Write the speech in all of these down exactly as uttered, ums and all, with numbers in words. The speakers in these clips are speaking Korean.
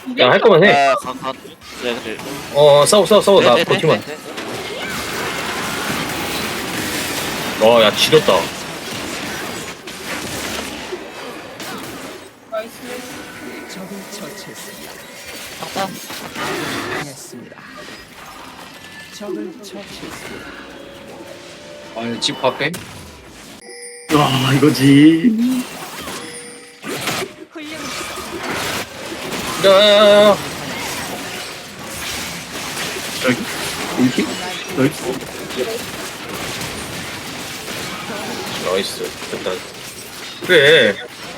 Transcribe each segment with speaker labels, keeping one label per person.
Speaker 1: 야, 할 거면 해.
Speaker 2: 아, 가, 가. 네, 근데.
Speaker 1: 어, 싸워, 싸워, 싸워. 나
Speaker 2: 네, 네,
Speaker 1: 버티면.
Speaker 2: 네, 네, 네.
Speaker 1: 어, 야, 지렸다.
Speaker 2: 상상.
Speaker 3: 아니 집 밖에?
Speaker 4: 와 이거지.
Speaker 1: 야, 야, 야, 야.
Speaker 4: 저기 여기 여기
Speaker 1: 나이스. 됐다. 그래.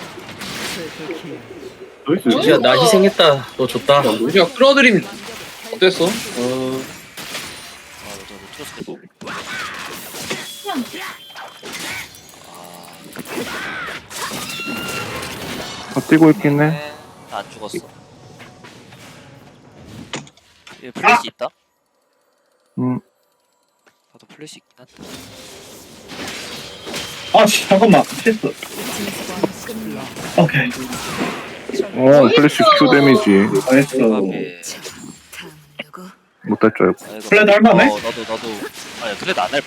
Speaker 4: 여기
Speaker 1: 루시야, 나 희생했다. 너 줬다.
Speaker 3: 우리가 끌어들임 어땠어? 어
Speaker 2: 아, 저 트로스.
Speaker 5: 아, 뛰고 있긴 해.
Speaker 2: 네. 안 죽었어. 얘 플래시 있다?
Speaker 5: 음,
Speaker 2: 나도 플래시 있긴 한데.
Speaker 4: 아씨 잠깐만 실수. 오케이
Speaker 5: 어, 플래시 Q 데미지.
Speaker 4: 나이스.
Speaker 2: 대박에.
Speaker 5: 못할 줄 알고.
Speaker 2: 아, 이거-
Speaker 4: 플레드 할만해?
Speaker 2: 어, 나도 나도. 아니 플레드 안 해봐.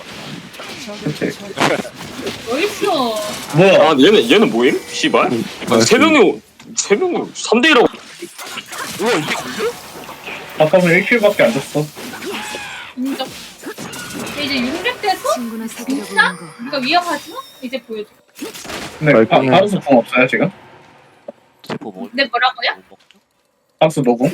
Speaker 6: 어딨어?
Speaker 4: 뭐야?
Speaker 7: 아 얘는 얘는 뭐임? 씨발.
Speaker 5: 나이스.
Speaker 7: 세 명이 세 명이 삼 대 일하고.
Speaker 2: 우와 이게 걸려?
Speaker 4: 아까는 일 킬밖에 안 줬어.
Speaker 6: 인정. 이제 육렙 돼서
Speaker 8: 친구나 사귀려고
Speaker 6: 진짜?
Speaker 8: 하는 거.
Speaker 6: 이거 위험하지 마? 이제 보여줘.
Speaker 4: 근데
Speaker 5: 나이스.
Speaker 4: 바, 바루스 궁 없어요 지금?
Speaker 2: 제포 먹을.
Speaker 6: 네, 뭐라고요?
Speaker 2: 못 먹죠?
Speaker 4: 바루스 노궁?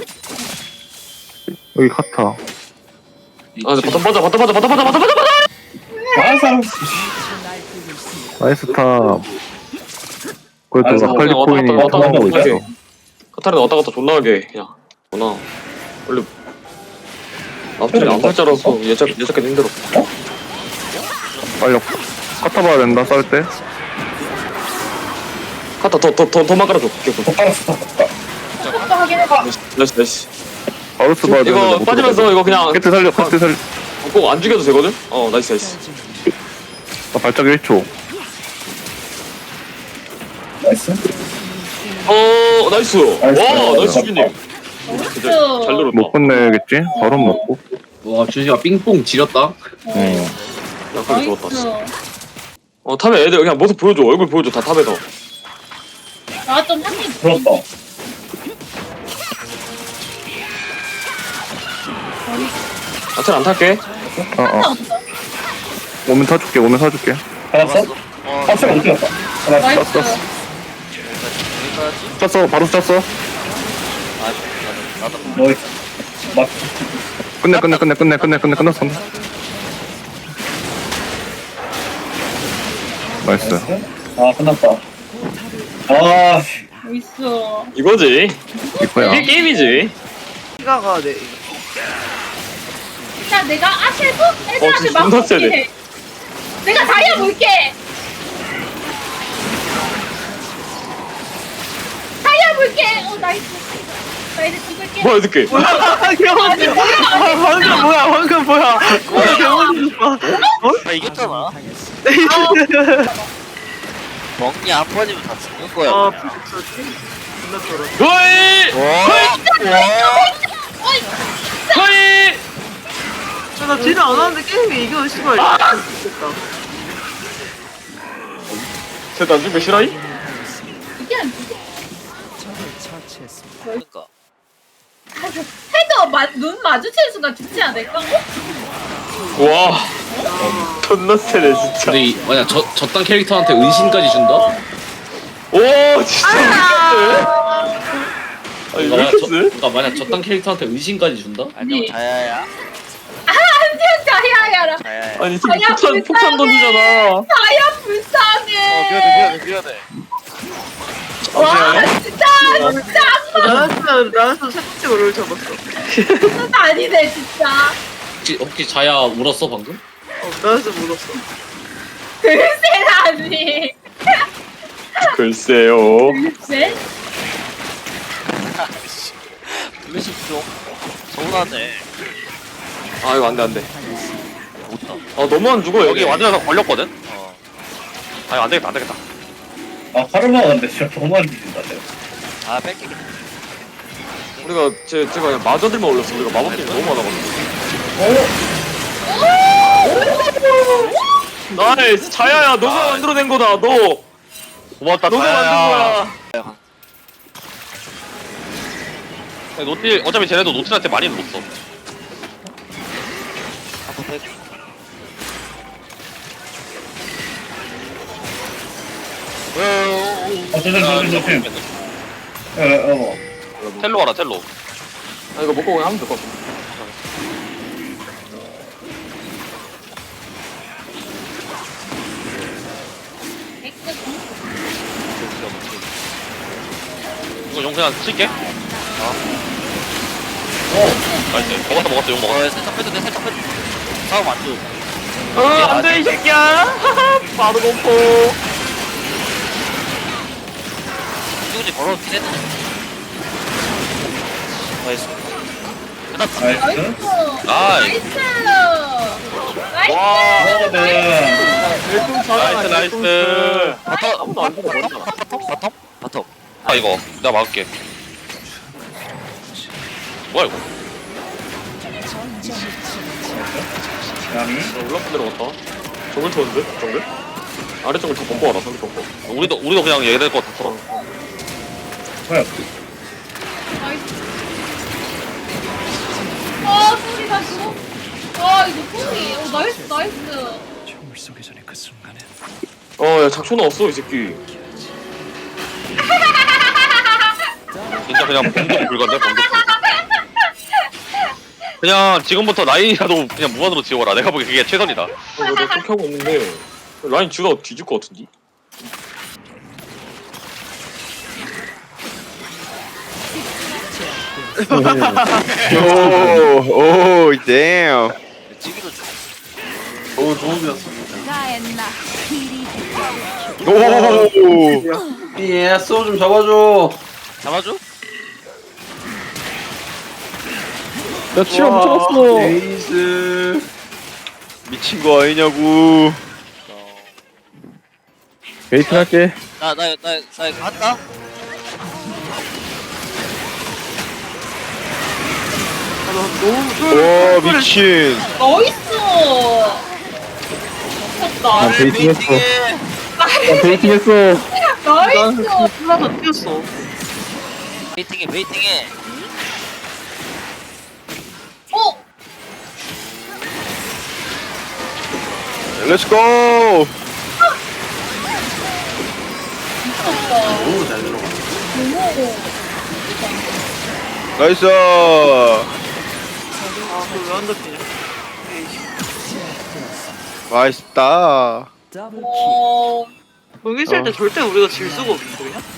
Speaker 5: 여기 카타.
Speaker 7: 아 바텀 빠져 바텀 빠져 바텀 빠져 바텀 빠져.
Speaker 4: 아 사람.
Speaker 5: 나이스 탑.
Speaker 4: 아이고,
Speaker 5: 그래도 라칼리
Speaker 7: 왔다
Speaker 5: 코인이
Speaker 7: 갔다 왔다
Speaker 5: 통하고
Speaker 7: 갔다
Speaker 5: 있어.
Speaker 7: 하게. 카타르는 왔다 갔다 존나 하게 그냥. 누나 원래 앞쪽에 암살자라서 예측 예측하기 힘들어.
Speaker 5: 빨리 카타 봐야 된다, 쌀 때.
Speaker 7: 카타 더더더 더만 깔아줘. 개꿀.
Speaker 4: 더 깔았어.
Speaker 6: 속도 확인해봐.
Speaker 7: 나이스 나이스.
Speaker 5: 바루스 봐야 되는데.
Speaker 7: 이거
Speaker 5: 못
Speaker 7: 빠지면서
Speaker 5: 들어가네.
Speaker 7: 이거 그냥
Speaker 5: 캐트 살려, 캐트 살려.
Speaker 7: 꼭 안 죽여도 되거든. 어 나이스 나이스.
Speaker 5: 아, 발작 일 초.
Speaker 4: 나이스.
Speaker 7: 어 나이스. 와
Speaker 4: 나이스.
Speaker 7: 나이스 수빈님. 진짜 잘
Speaker 6: 어딨어?
Speaker 7: 누르다.
Speaker 5: 못 끝내겠지? 바로 먹고.
Speaker 3: 와 주시가 삥뽕 지렸다.
Speaker 5: 응.
Speaker 7: 약간 좋았다. 씨.
Speaker 6: 나이스.
Speaker 7: 어 탑에 애들 그냥 모습 보여줘. 얼굴 보여줘. 다 탑에서.
Speaker 6: 나좀 한입
Speaker 4: 들었다.
Speaker 7: 아틀 안 탈게.
Speaker 5: 어, 어.
Speaker 6: 없어.
Speaker 5: 오면 사줄게, 오면 사줄게.
Speaker 4: 받았어?
Speaker 2: 어,
Speaker 4: 아 제가 못 들었다. 아, 나
Speaker 6: 나이스.
Speaker 5: 땄어.
Speaker 2: 여기까지.
Speaker 5: 짰어, 바루스 짰어.
Speaker 2: 아, 나도 나도.
Speaker 4: 너 맞.
Speaker 5: 끝내, 끝내, 끝내, 끝내, 끝내, 끝내, 끝났어. 나이스.
Speaker 4: 아 끝났다. 아
Speaker 6: 나이스.
Speaker 7: 이거지.
Speaker 5: 이거야.
Speaker 7: 이게 게임이지.
Speaker 6: 자, 내가 아시에서
Speaker 7: 어,
Speaker 6: 애들한테
Speaker 7: 진짜
Speaker 6: 막
Speaker 7: 존나 세네.
Speaker 6: 볼게 해. 내가 다이아 볼게. 다이아 볼게. 어, 나이스. 나 이제 죽을게.
Speaker 7: 뭐야 이렇게.
Speaker 6: 아니, 뭐야?
Speaker 2: 방금 뭐야? 아 이겼잖아. 멍이 한 번이면 다 죽는 거야. 아,
Speaker 7: 거의 거의.
Speaker 9: 나 딜을 안 하는데 게임이 이겨 씨발.
Speaker 7: 쟤안 죽여 싫어이?
Speaker 6: 이게 안 돼.
Speaker 2: 그러니까.
Speaker 6: 헤더 마, 눈 마주치는 순간 죽지 않을까? 어?
Speaker 7: 와. 존나 세네 진짜.
Speaker 3: 근데 이, 만약 저 저딴 캐릭터한테 은신까지 준다?
Speaker 7: 오 진짜 미쳤네. 아니 왜
Speaker 3: 그러니까 만약,
Speaker 7: 이렇게
Speaker 3: 저,
Speaker 7: 세?
Speaker 3: 그러니까 만약 저딴 캐릭터한테 은신까지 준다?
Speaker 2: 안녕
Speaker 6: 네.
Speaker 2: 자야야.
Speaker 6: 안녕 다이아야라.
Speaker 2: 자야야.
Speaker 7: 아니 지금
Speaker 6: 아니야,
Speaker 7: 폭탄
Speaker 6: 불쌍해.
Speaker 7: 폭탄 던지잖아.
Speaker 6: 다이아
Speaker 2: 어
Speaker 6: 불쌍해.
Speaker 2: 미안해 미안해 미안해.
Speaker 6: 와 진짜 진짜
Speaker 9: 나였으면 나였으면 살짝 오를 잡았어.
Speaker 6: 악마 아니네 진짜.
Speaker 3: 혹시, 혹시 자야 울었어 방금?
Speaker 9: 어, 나였으면 울었어.
Speaker 6: 글쎄라니.
Speaker 7: 글쎄요.
Speaker 6: 글쎄?
Speaker 2: 플래시 좀 서운하네.
Speaker 7: 아 이거 안돼 안돼.
Speaker 2: 못다.
Speaker 7: 아 너무 안 죽어
Speaker 2: 여기 완전 걸렸거든. 어.
Speaker 7: 아 이거 안 되겠다 안 되겠다.
Speaker 4: 아 카르마 근데 진짜 너무 안 뒤진다 내가.
Speaker 2: 아 뺏기겠다.
Speaker 7: 우리가 제 제가 그냥 마저들만 올렸어. 우리가 마법팀이 너무 많아가지고. 나이스 자야야 너가 만들어낸 거다 너.
Speaker 2: 고맙다
Speaker 7: 너가 만든 거야.
Speaker 2: 야, 노틸 어차피 쟤네도 노틸한테 많이 못 써.
Speaker 4: 어, 조심, 조심, 조심. 어, 어.
Speaker 2: 텔로 와라 텔로.
Speaker 7: 아 이거 먹고 그냥 하면 될 것 같아.
Speaker 2: 이거 용 그냥 칠게. 어. 나이스. 먹었어 먹었어 용 먹었어. 살짝 빼도 돼 살짝 빼도 돼. 싸움 안 돼.
Speaker 7: 어 안돼 이 새끼야. 바로 공포.
Speaker 2: 누구지 걸어도 돼. 나이스.
Speaker 4: 나이스.
Speaker 2: 나이스.
Speaker 6: 나이스. 나이스.
Speaker 7: 와.
Speaker 4: 먹어든.
Speaker 2: 나이스 나이스.
Speaker 7: 바텀 아무도 안 보고 버렸잖아.
Speaker 2: 바텀? 바텀. 아 이거 내가 막을게. 뭐야 이거?
Speaker 4: 야미.
Speaker 7: 올라프 내려갔다. 정글 쳤는데? 정글? 아래쪽을 다 범퍼 와라 상대 범퍼.
Speaker 2: 우리도 우리도 그냥 얘네 거 다 털어.
Speaker 4: 뭐야?
Speaker 6: 나이스. 아, 소리 다시. 아, 이거 소리. 오, 나이스, 나이스.
Speaker 7: 어야 작초 나왔어 이 새끼.
Speaker 2: 진짜 그냥 bomb 불건데 bomb. 그냥 지금부터 라인이라도 그냥 무한으로 지워라. 내가 보기 그게 최선이다.
Speaker 7: 어, 내가 그렇게 하고 있는데 라인 지우다가 뒤질 것 같은데?
Speaker 5: 오, 오, damn.
Speaker 3: 오 도움이었어.
Speaker 5: 오,
Speaker 3: 예, 소좀 잡아줘.
Speaker 2: 잡아줘?
Speaker 5: 나 치료 못 잡았어.
Speaker 3: 에이스.
Speaker 5: 미친 거 아니냐고. 베이트 할게.
Speaker 2: 나 나 나 나 갔다.
Speaker 5: 와, 미친.
Speaker 6: 나이스. 미쳤다.
Speaker 5: 베이팅 했어. 나 베이팅 했어.
Speaker 6: 나이스.
Speaker 9: 하나 더 뛰었어.
Speaker 2: 웨이팅해 웨이팅해.
Speaker 6: 어?
Speaker 5: 렛츠고.
Speaker 6: 미쳤다.
Speaker 3: 너무 잘 들어가.
Speaker 6: 너무.
Speaker 5: 나이스.
Speaker 9: 아, 그왜 안 잡히냐?
Speaker 5: 맛있다.
Speaker 6: 어.
Speaker 9: 여기 있을 때 절대 우리가 질 수가 없는데 그냥?